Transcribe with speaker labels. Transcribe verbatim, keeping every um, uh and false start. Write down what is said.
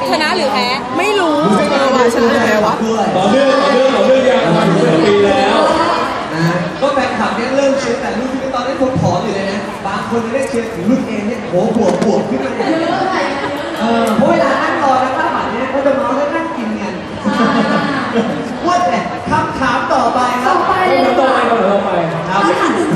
Speaker 1: ชนะหรือแพ้
Speaker 2: ไม่รู้เออว่าชนะแพ้วะ
Speaker 3: ต่อเนื่องต่อเนื่องต่อเนื่องยังมาถึงปีแล้ว
Speaker 4: นะก็แฟนคลับเนี่ยเริ่มเชียร์แต่รุ่นที่ตอนนี้ผมถอนอยู่เลยนะบางคนได้เชียร์ถึงรุ่นเองเนี่ยโหบวกบวกขึ้นมาเลยเออเพราะเวลานั่งรอแล้วข้าวผัดเนี่ยเขาจะเมาแล้วนั่งกินกันว่าแต่คำถามต่อไปครับ
Speaker 3: ต่อไปต่อไปต่อไป
Speaker 4: ครับ